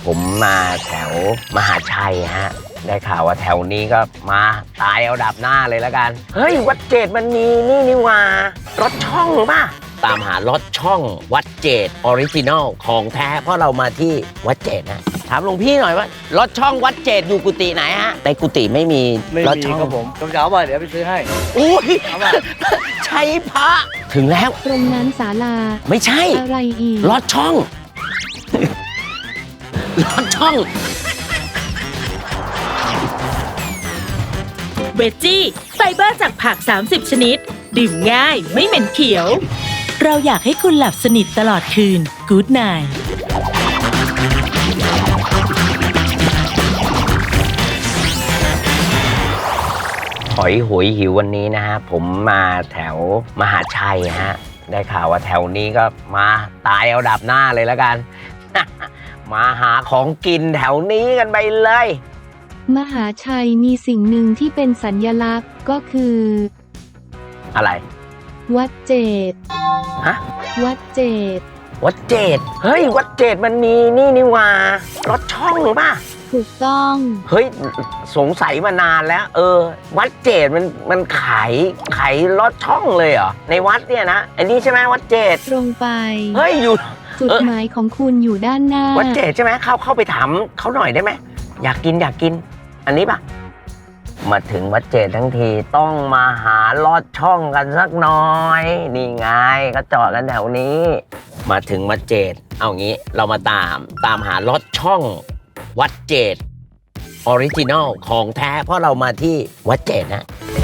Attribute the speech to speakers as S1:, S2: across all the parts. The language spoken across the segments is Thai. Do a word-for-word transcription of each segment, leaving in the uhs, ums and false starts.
S1: ผมมาแถวมหาชัยฮะได้ข่าวว่าแถวนี้ก็มาตายเอาดับหน้าเลยแล้วกันเฮ้ยวัดเจดมันมีนี่นี่ว่ารถช่องป่ะตามหารถช่องวัดเจดออริจินอลของแท้เพราะเรามาที่วัดเจดนะถามหลวงพี่หน่อยว่ารถช่องวัดเจดอยู่กุฏิไหนฮะในกุฏิไม่มี
S2: ไม่
S1: รถ
S2: มี
S1: ช่อง
S2: ครับผมต้องเช้าว่าเดี๋ยวไปซื้อให้
S1: อุ้ยใช่พระถึงแล้ว
S3: ตรงนั้นศาลา
S1: ไม่ใช่
S3: อะไรอีก
S1: รถช่อง รถช่อง
S4: เวจจี้ไฟเบอร์จากผัก สามสิบ ชนิด ดื่มง่ายไม่เหม็นเขียว เราอยากให้คุณหลับสนิทตลอดคืน Good Night
S1: หอยหวยหิววันนี้นะฮะผมมาแถวมหาชัยฮะได้ข่าวว่าแถวนี้ก็มาตายเอาดับหน้าเลยแล้วกัน มาหาของกินแถวนี้กันไปเลย
S3: มหาชัยมีสิ่งหนึ่งที่เป็นสัญลักษณ์ก็คือ
S1: อะไร
S3: วัดเจด
S1: ฮะ
S3: วัดเจด
S1: วัดเจดเฮ้ยวัดเจดมันมีนี่นี่ว่ารถช่องหรือเปล่า
S3: ถูกต้อง
S1: เฮ้ยสงสัยมานานแล้ว เออ วัดเจดมันมันขายขายรถช่องเลยเหรอในวัดเนี่ยนะอันนี้ใช่ไหมวัดเจด
S3: ตรงไป
S1: เฮ้ยอยู่
S3: จุดหมายของคุณอยู่ด้านหน้า
S1: วัดเจดใช่ไหมเข้าเข้าไปถามเขาหน่อยได้ไหมอยากกินอยากกิน อันนี้ปะมาถึงวัดเจดทั้งทีต้องมาหาลอดช่องกันสักหน่อย นี่ไงก็จอดกันแถวนี้ มาถึงวัดเจดเอางี้เรามาตามตามหาลอดช่องวัดเจดออริจินอลของแท้เพราะเรามาที่วัดเจดนะ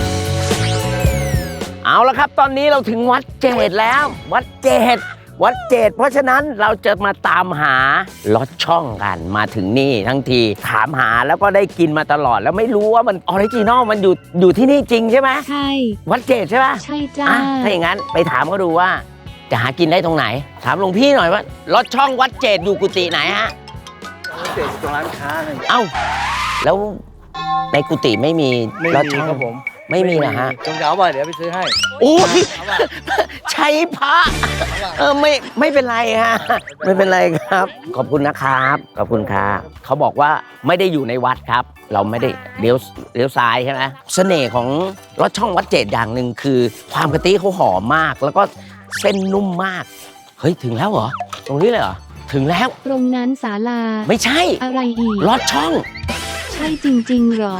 S1: เอาละครับตอนนี้เราถึงวัดเจดแล้ว วัดเจดวัดเจดเพราะฉะนั้นเราจะมาตามหาลอดช่องกันมาถึงนี่ทั้งทีถามหาแล้วก็ได้กินมาตลอดแล้วไม่รู้ว่ามันออริจินอลมันอยู่อยู่ที่นี่จริงใช่ไหม
S3: ใช่
S1: วัดเจดใช่ปะ
S3: ใช่จ้า
S1: อ่ะถ้าอย่างนั้นไปถามเขาดูว่าจะหากินได้ตรงไหน ถามหลวงพี่หน่อยว่าลอดช่องวัดเจดอยู่กุฏิไหนฮะ
S2: เด็กตรงร้านค้าเลย
S1: เอ้าแล้วในกุฏิไม่มี
S2: ไม่
S1: ลอด
S2: มี
S1: ช่อง
S2: ครับผม
S1: ไม่มีเหรอฮะ
S2: ต้องเช้าว่าเดี๋ยวไปซื้อให้
S1: โอ้ยใช้พระเออไม่ไม่เป็นไรฮะไม่เป็นไรครับ ขอบคุณนะครับขอบคุณครับเขาบอกว่าไม่ได้อยู่ในวัดครับ เราไม่ได้เลี้ยวเลี้ยวซ้ายใช่ไหมเสน่ห์ของรถช่องวัดเจดอย่างหนึ่งคือ ความกะทิเขาหอมมาก แล้วก็เส้นนุ่มมากเฮ้ยถึงแล้วเหรอตรงนี้เลยเหรอถึงแล้ว
S3: ตรงนั้นศาลา
S1: ไม่ใช่
S3: อะไรอีก
S1: รถช่อง
S3: ใช่จริงๆหรอ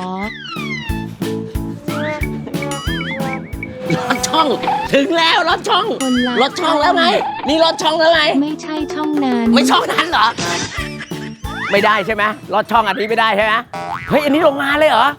S1: รถช่อง ถึงแล้วรถช่อง
S3: คนละ
S1: รถช่องแล้วไงนี่รถช่องแล้วไง
S3: ไม่ใช่ช่องนั้น
S1: ไม่ช่องนั้นเหรอ ไม่ได้ใช่ไหมลอดช่องอันนี้ไม่ได้ใช่ไหมเฮ้ยอันนี้โรงงานเลยเหรอ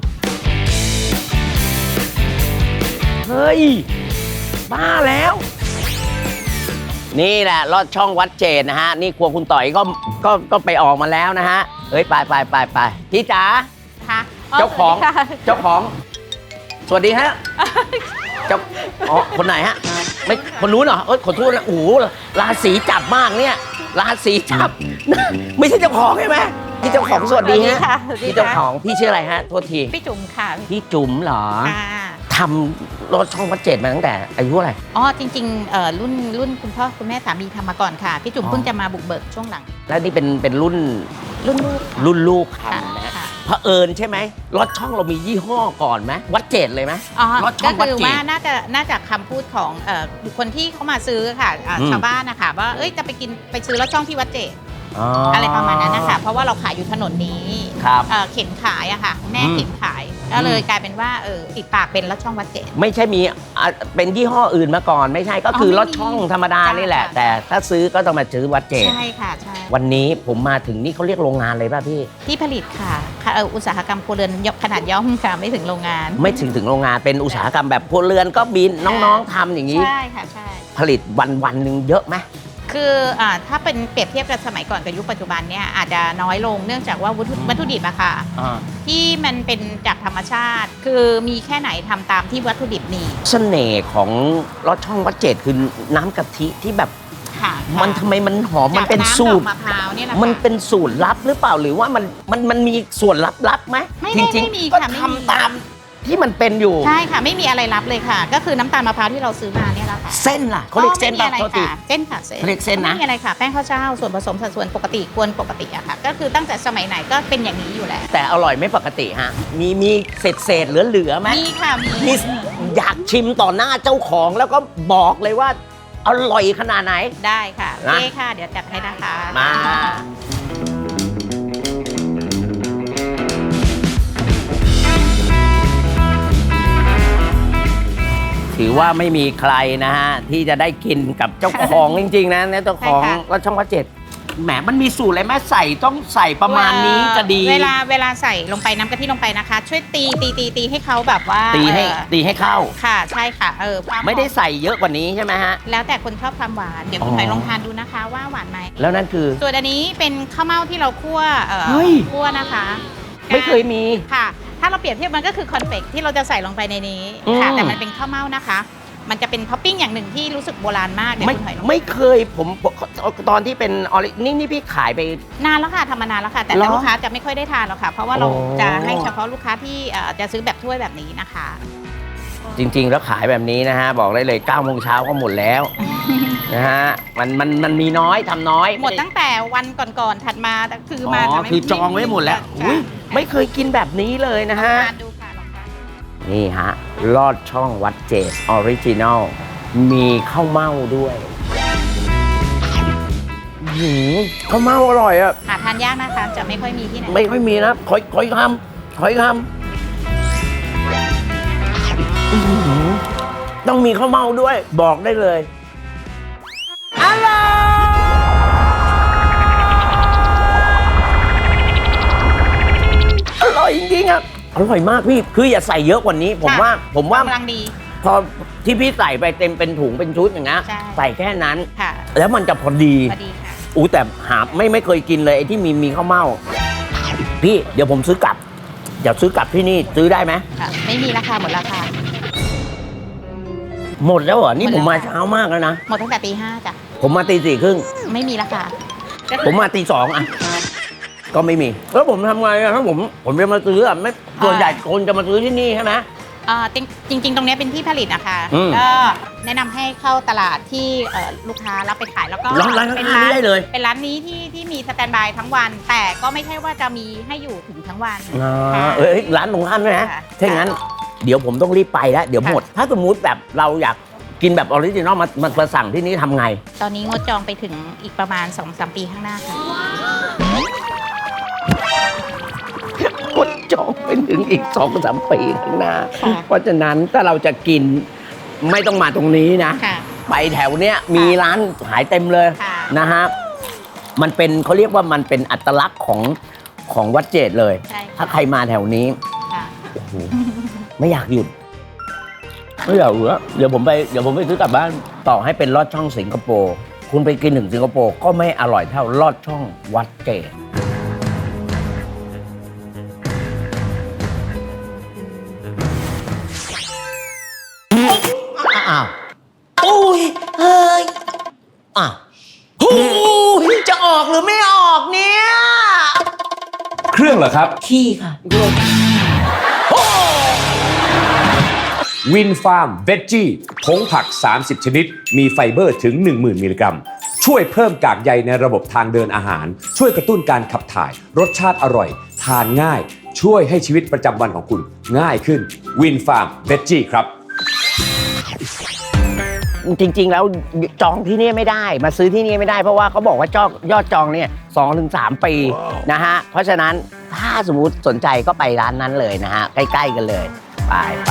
S1: เฮ้ย บ้าแล้ว นี่แหละลอดช่องวัดเจดนะฮะ นี่ครัวคุณต่อยก็ก็ก็ไปออกมาแล้วนะฮะ เฮ้ย ไปไปไปไปพี่จ๋า
S5: ค่ะ
S1: เจ้าของ เจ้าของ สวัสดีฮะ เจ้าอ๋อคนไหนฮะ ไม่คนนู้นเหรอเอ้ยขอโทษนะโอ้โหราศีจับมากเนี่ย ราศีจับ ไม่ใช่เจ้าของใช่ไหมพี่เจ้าของสวัสดีฮะ
S5: ค่ะสวัสดี
S1: พี่เจ้าข
S5: ค่ะ
S1: องพี่ชื่ออะไรฮะโทษที
S5: พี่จุ๋มค่ะ
S1: พี่จุ๋มเหรอ
S5: ค่ะ
S1: ทำรถช่องวัดเจดมาตั้งแต่อายุเท่าไหร่
S5: อ๋อจริงๆเอ่อรุ่นรุ่นคุณพ่อคุณแม่สามีทำมาก่อนค่ะ พี่จุ๋ม
S1: อ๋อ
S5: เพิ่งจะมาบุกเบิกช่วงหลัง
S1: แล้วนี่เป็นเป็นรุ่น
S5: รุ่นลูกค่ะ
S1: รุ่นลูก
S5: ค่ะ
S1: ทำนะฮะ
S5: ค่ะ
S1: เผอิญใช่ไหมรถช่องเรามียี่ห้อก่อนไหมวัดเจดเลยไหม
S5: อ๋อ
S1: รถช่
S5: ก็
S1: องวัด
S5: คือ
S1: เจด
S5: ว่าน่าจะน่าจะคำพูดของเอ่อบุคคลที่เขามาซื้อค่ะอ่า
S1: อืม
S5: ชาวบ้านนะคะว่าเอ้ยจะไปกินไปซื้อรถช่องที่วัดเจด
S1: อ๋ออ
S5: อะไรประมาณนั้นนะคะเพราะว่าเราขายอยู่ถนนนี้
S1: ครับ
S5: เอ่อเข็นขายอะค่ะ แม่
S1: อืม
S5: เข็นขายก็เลยกลายเป็นว่าเออติดปากเป็นรถช่องวัดเจด
S1: ไม่ใช่มีอ่ะเป็นยี่ห้ออื่นมาก่อน ไม่ใช่ก็คืออ
S5: อ
S1: ร
S5: ไม่
S1: ถ
S5: มี
S1: ช่องธรรมดา
S5: จ้ะ
S1: นี่แหละ
S5: จ้ะ
S1: แต่ถ้าซื้อก็ต้องมาซื้อวัดเจด
S5: ใช่ค่ะใช่
S1: วันนี้ผมมาถึงนี่เขาเรียกโรงงานเลยป่ะพี่
S5: ที่ผลิตค่ะค่ะเอ่ออุตสาหกรรมครัวเรือนยกขนาดย่อมค่ะไม่ถึงโรงงาน
S1: ไม่ถึงถึงโรงงานเป็นอุตสาหกรรมแบบพลเรือนก็บินน้องๆทำอย่างนี้
S5: ใช่ค่ะใช่
S1: ผลิตวันวันๆหนึ่งเยอะไหม
S5: คืออ่าถ้าเป็นเปรียบเทียบกับสมัยก่อนกับยุคปัจจุบันเนี่ยอาจจะน้อยลงเนื่องจากว่าวัตถุวัตถุดิบอะค่ะ
S1: อ่า
S5: ที่มันเป็นจากธรรมชาติ คือมีแค่ไหนทำตามที่วัตถุดิบมี
S1: เสน่ห์ของรสช่องวัดเจดคือน้ำกะทิที่แบบ
S5: ค่ะ
S1: มันทำไมมันหอมมันเป็น
S5: จากำ
S1: สูตร
S5: ดอกมะพร้าวเนี่ยแหละ
S1: มัน
S5: ค่ะ
S1: เป็นสูตรลับหรือเปล่าหรือว่ามันมันมันมีส่วนลับๆไหม
S5: ไม่
S1: จ
S5: ไม่
S1: ริง
S5: ไม่มี
S1: ๆก็
S5: ค่ะไม่มี
S1: ทำตามที่มันเป็นอยู่
S5: ใช่ค่ะไม่มีอะไรรับเลยค่ะ ก็คือน้ำตาลมะพร้าวที่เราซื้อมาเนี่ยแหละค่ะ
S1: เส้นล่ะเขาเรียกเส้น
S5: ก็
S1: ป่ะ
S5: ไม่มี
S1: โท
S5: อะ
S1: ษ
S5: ไร
S1: ที
S5: ค่ะเส้นค่ะเส้น
S1: เขาเรียกเส้นนะ
S5: ไม่มีอะไรค่ะแป้งข้าวเจ้าส่วนผสมสัดส่วนปกติกวนปกติอะค่ะ ก็คือตั้งแต่สมัยไหนก็เป็นอย่างนี้อยู่แล้ว
S1: แต่อร่อยไม่ปกติฮะมีมีเศษเศษเหลือเหลือๆไหม
S5: มีค่ะมี
S1: นี่อยากชิมต่อหน้าเจ้าของแล้วก็บอกเลยว่าอร่อยขนาดไหน
S5: ได้ค่ะโอ
S1: นะ
S5: เคค่ะ เดี๋ยวจัดให้นะคะ
S1: มา ถือว่าไม่มีใครนะฮะ ที่จะได้กินกับเจ้าของ จริง ๆ นะเนี่ยเจ้าของก็ช่องวัดเจ็ดแหมมันมีสูตรอะไรแม่ใส่ต้องใส่ประมาณนี้จะดี
S5: เวลาเวลาใส่ลงไปน้ำกะทิลงไปนะคะ ช่วยตีตีตีตีให้เขาแบบว่า
S1: ตีให้
S5: เอ่อ
S1: ตีให้เข้า
S5: ค่ะใช่ค่ะเออความ
S1: ไม่ได้ใส่เยอะกว่านี้ใช่ไหมฮะ
S5: แล้วแต่คนชอบความหวานเดี๋ยวคุณ
S1: อ๋อ
S5: หอยลองทานดูนะคะว่าหวานไหม
S1: แล้วนั่นคือ
S5: ส่วนอันนี้เป็นข้าวเม่าที่เราคั่วเอ่อ
S1: เฮ้ย
S5: คั่วนะคะ
S1: ไม่เคยมี
S5: ค่ะ ถ้าเราเปรียบเทียบมันก็คือคอนเฟกที่เราจะใส่ลงไปในนี้ค่ะ
S1: อืม
S5: แต่มันเป็นข้าวเม่านะคะ มันจะเป็นท็อปปิ้งอย่างหนึ่งที่รู้สึกโบราณมากเดี๋ยว
S1: ไม่
S5: คุณหอยลอง
S1: ไม่เคยผมตอนที่เป็นออรินี่นี่พี่ขายไป
S5: นานแล้วค่ะทำมานานแล้วค่ะ แต่
S1: เหรอ
S5: แต่ลูกค้าจะไม่ค่อยได้ทานหรอกค่ะ เพราะว่าเรา
S1: โอ้
S5: จะให้เฉพาะลูกค้าที่เอ่อจะซื้อแบบถ้วยแบบนี้นะคะ
S1: จริง ๆ แล้วขายแบบนี้นะฮะ บอกได้เลย9ก้าโมงเช้าก็หมดแล้ว นะฮะมันมันมันมีน้อยทำน้อย
S5: หมดตั้งแต่วันก่อนๆถัดมาแต่คือมา
S1: อ๋อ
S5: จะไม่
S1: คือจองไว้หมดแล้ว
S5: ค่ะ
S1: อุ๊ยไม่เคยกินแบบนี้เลยนะฮะ
S5: ทานดูค่ะลองทาน
S1: นี่ฮะ ลอดช่องวัดเจดออริจินัลมีข้าวเม่าด้วยหืมข้าวเม่าอร่อยอะ
S5: หาทานยากนะคะ จะไม่ค่อยมีที่ไหน
S1: ไม่ค่อยมีนะขอยขอยคำขอยคำอื้อหือต้องมีข้าวเม่าด้วย บอกได้เลยอร่อยอร่อยจริงๆอ่ะอร่อยมากพี่คืออย่าใส่เยอะกว่านี้ ผมว่าผมว่า
S5: กำลังดี
S1: พอที่พี่ใส่ไปเต็มเป็นถุงเป็นชุดอย่างเงี้ย
S5: ใช่
S1: ใส่แค่นั้น
S5: ค่ะ
S1: แล้วมันจะพอดี
S5: พอดีค่ะ
S1: อู้แต่หาไม่ไม่เคยกินเลยไอ้ที่มีมีข้าวเม่าพี่เดี๋ยวผมซื้อกลับเดี๋ยวซื้อกลับที่นี่ซื้อได้ไหม
S5: ค่ะ ไม่มีราคาหมดราคา
S1: หมดแล้วเหรอ นี่
S5: หมด
S1: ผม
S5: แล้ว
S1: มาเช้ามากแล้วนะ
S5: หมดตั้งแต่ตีห้าจ้ะ
S1: ผมมาตีสี่ครึ่ง
S5: ไม่มีราคาก็คือ
S1: ผมมาตีสองอ่ะ ก็ไม่มี แล้วผมทำไงอะถ้าผมผมจะมาซื้ออ่ะไม่ส่วนใหญ่คนจะมาซื้อที่นี่ใช่ไหม
S5: เอ่อจริงจริง ๆ ตรงเนี้ยเป็นที่ผลิตนะคะ
S1: อืม
S5: ก็แนะนำให้เข้าตลาดที่เอ่อลูกค้ารับไปขายแล้วก็
S1: ร้านร้านข้างๆ
S5: เป็น
S1: นี่ได้เลย
S5: เป็นร้านนี้ที่ที่มีสแตนด์บายทั้งวัน แต่ก็ไม่ใช่ว่าจะมีให้อยู่ถึงทั้งวัน
S1: อ่า
S5: ค่ะ
S1: เอ้ยร้านตรงข้ามด้วยนะ
S5: ค่ะ
S1: ถ้าอย่างนั้น เดี๋ยวผมต้องรีบไปแล้ว เดี๋ยวหมด ถ้าสมมุติแบบเราอยากกินแบบออริจินอลมามามาสั่งที่นี่ทำไง
S5: ตอนนี้งดจองไปถึงอีกประมาณ สองสาม ปีข้างหน้าค่ะ
S1: กดจองไปถึงอีกสองสามปีข้างหน้า
S5: ค่ะ
S1: เพราะฉะนั้นถ้าเราจะกินไม่ต้องมาตรงนี้นะ
S5: ค่ะ
S1: ไปแถวเนี้ยมีร้านขายเต็มเลย
S5: ค่ะ
S1: นะฮะ มันเป็นเขาเรียกว่ามันเป็นอัตลักษณ์ของของวัดเจดเลย
S5: ใช่
S1: ถ้าใครมาแถวนี้
S5: ค่ะ
S1: โอ้โหไม่อยากหยุด ไม่อยากหยุดแล้วเดี๋ยวผมไปเดี๋ยวผมไปซื้อกลับบ้านต่อให้เป็นลอดช่องสิงคโปร์คุณไปกินถึงสิงคโปร์ก็ไม่อร่อยเท่าลอดช่องวัดเจดอ้าวโอ้ยเฮ้ยอ่ะโอ้ยจะออกหรือไม่ออกเนี่ย
S6: เครื่องเหรอครับ
S1: ขี้ค่ะ
S6: วินฟาร์มเวจจี้ผงผัก สามสิบ ชนิด มีไฟเบอร์ถึง หนึ่งหมื่น มิลลิกรัม ช่วยเพิ่มกากใยในระบบทางเดินอาหาร ช่วยกระตุ้นการขับถ่าย รสชาติอร่อย ทานง่าย ช่วยให้ชีวิตประจำวันของคุณง่ายขึ้นวินฟาร์มเวจจี้ครับ
S1: จริง ๆ แล้วจองที่นี่ไม่ได้ มาซื้อที่นี่ไม่ได้เพราะว่าเขาบอกว่าจองยอดจองเนี่ยสองถึงสามปีนะฮะ เพราะฉะนั้นถ้าสมมติสนใจก็ไปร้านนั้นเลยนะฮะ ใกล้ ๆ กันเลย ไปไป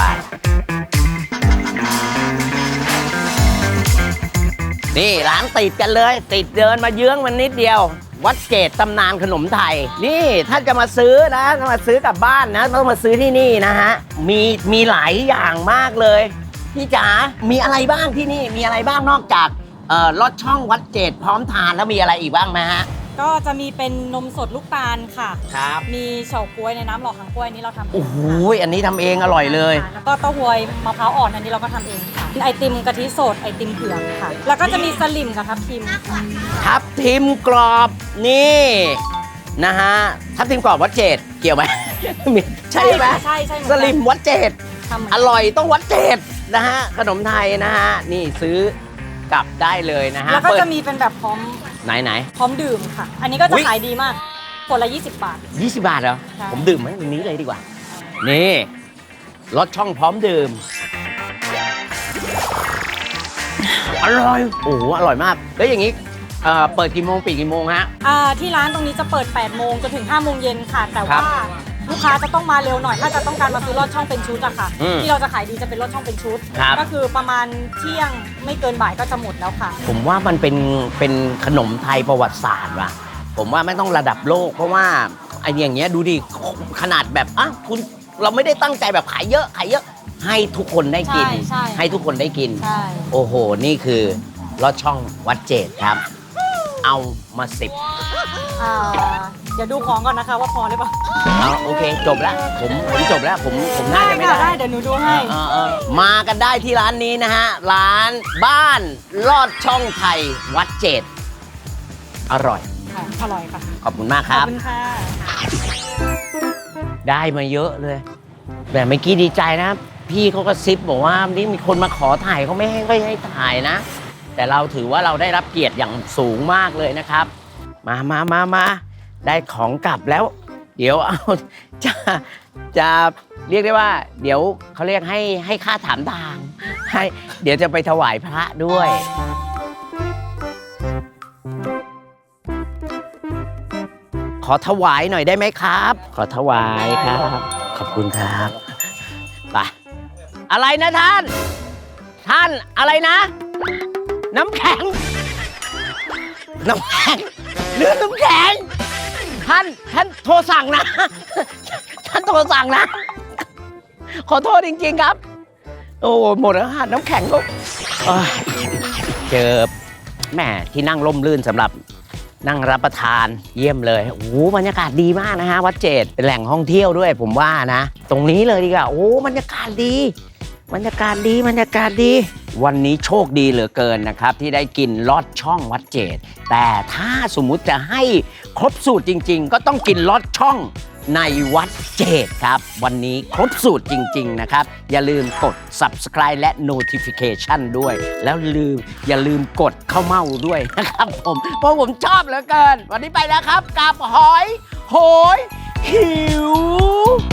S1: นี่ร้านติดกันเลย ติดเดินมาเยื้องมันนิดเดียว วัดเกตตำนานขนมไทย นี่ถ้าจะมาซื้อนะถ้ามาซื้อกลับบ้านนะต้องมาซื้อที่นี่นะฮะ มีมีหลายอย่างมากเลย พี่จ๋า มีอะไรบ้างที่นี่ มีอะไรบ้างนอกจากเอ่อลอดช่องวัดเจดพร้อมทานแล้วมีอะไรอีกบ้างไหมฮะ
S7: ก็จะมีเป็นนมสดลูกตาลค่ะ
S1: ครับ
S7: มีเฉาก๊วยในน้ำหล่อหางกล้วยอันนี้เราทำเอง
S1: โอ้โห
S7: ค่ะ
S1: อันนี้ทำเองอร่อยเลย
S7: ค่ะแล้วก็เต้าหวยมะพร้าวอ่อนอันนี้เราก็ทำเองค่ะไอติมกะทิสดไอติมเผือกค่ะ แล้วก็จะมีสลิมกับทับทิมค่ะ
S1: ทับทิมกรอบนี่นะฮะทับทิมกรอบวัดเจดเกี่ยวไหมใช่ไหม
S7: ใช่ใช่เหมือน
S1: ส
S7: กัน
S1: ลิมวัดเจด
S7: ทำเหมือน
S1: อ
S7: กัน
S1: ร่อยต้องวัดเจดนะฮะขนมไทยนะฮะนี่ซื้อกลับได้เลยนะฮะ
S7: แล้วก็
S1: เปิด
S7: จะมีเป็นแบบพร้อม
S1: ไหนไหน
S7: พร้อมดื่มค่ะ อันนี้ก็
S1: อุ๊
S7: จะ
S1: ย
S7: ขายดีมากขวดละยี่สิบบาท
S1: ยี่สิบบาทเหรอ
S7: ใช่
S1: ผมดื่มไหมตรงนี้เลยดีกว่า นี่รสช่องพร้อมดื่ม อร่อย โอ้โหอร่อยมาก แล้วอย่างนี้เอ่อเปิดกี่โมงปิดกี่โมงฮะ
S7: อ่าที่ร้านตรงนี้จะเปิดแปดโมงจนถึงห้าโมงเย็นค่ะ แต่
S1: ครั
S7: ว่า
S1: บ
S7: ลูกค้าจะต้องมาเร็วหน่อย ถ้าจะต้องการมาซื้อลอดช่องเป็นชุดอะค่ะ
S1: อืม
S7: ที่เราจะขายดีจะเป็นลอดช่องเป็นชุด
S1: ครับ
S7: ก็คือประมาณเที่ยงไม่เกินบ่ายก็จะหมดแล้วค่ะ
S1: ผมว่ามันเป็นเป็นขนมไทยประวัติศาสตร์ว่ะ ผมว่าไม่ต้องระดับโลก เพราะว่าไอ้อย่างเงี้ยดูดิขนาดแบบอ่ะคุณเราไม่ได้ตั้งใจแบบขายเยอะขายเยอะ ให้ทุกคนได้กิน
S7: ใช่ใช่
S1: ให้ทุกคนได้กิน
S7: ใช่
S1: โอ้โห นี่คือลอดช่องวัดเจดครับ เอามาสิบ
S7: อ่าเดี๋ยวดูของก่อนนะคะว่าพอหรือเปล่า
S1: เอาโอเค จบแล้ว ผมผมจบแล้ว ผมผมน่าจะไม่
S7: ค่ะ
S1: ได้
S7: ได้เดี๋ยวหนูดูให้
S1: เออเออมากันได้ที่ร้านนี้นะฮะ ร้านบ้านลอดช่องไทยวัดเจดอร่อย
S7: ค่ะอร่อยค่ะ
S1: ขอบคุณมากค
S7: ขอ
S1: รั
S7: บบ คุณค่ะ
S1: ได้มาเยอะเลยแต่เมื่อกี้ดีใจนะ พี่เขาก็ซิปบอกว่านี่มีคนมาขอถ่ายเขาไม่ให้ค่อยให้ถ่ายนะ แต่เราถือว่าเราได้รับเกียรติอย่างสูงมากเลยนะครับ มามามามาได้ของกลับแล้ว เดี๋ยวเอา จะจะเรียกได้ว่า เดี๋ยวเขาเรียกให้ให้ค่าถามทางให้เดี๋ยวจะไปถวายพระด้วย ขอถวายหน่อยได้ไหมครับ ขอถวายครับ ขอบคุณครับไปอะไรนะท่าน ท่านอะไรนะ น้ำแข็ง น้ำแข็งเรื่องน้ำแข็ง ท่านท่านโทรสั่งนะ ท่านโทรสั่งนะ ขอโทษจริงๆครับ โอ้หมดแล้วค่ะน้ำแข็งก็เอ้ยเจอแหมที่นั่งร่มรื่นสำหรับนั่งรับประทานเยี่ยมเลยโอ้โหบรรยากาศดีมากนะฮะวัดเจดเป็นแหล่งท่องเที่ยวด้วยผมว่านะ ตรงนี้เลยดีกว่าโอ้บรรยากาศดี บรรยากาศดีบรรยากาศดี วันนี้โชคดีเหลือเกินนะครับ ที่ได้กินลอดช่องวัดเจดแต่ถ้าสมมุติจะให้ครบสูตรจริง ๆ ก็ต้องกินลอดช่องในวัดเจดครับ วันนี้ครบสูตรจริง ๆ นะครับ อย่าลืมกด Subscribe และ Notification ด้วย แล้วลืมอย่าลืมกดเข้าเมาด้วยนะครับผมเพราะผมชอบเหลือเกิน วันนี้ไปแล้วครับกับหอยโหยหิว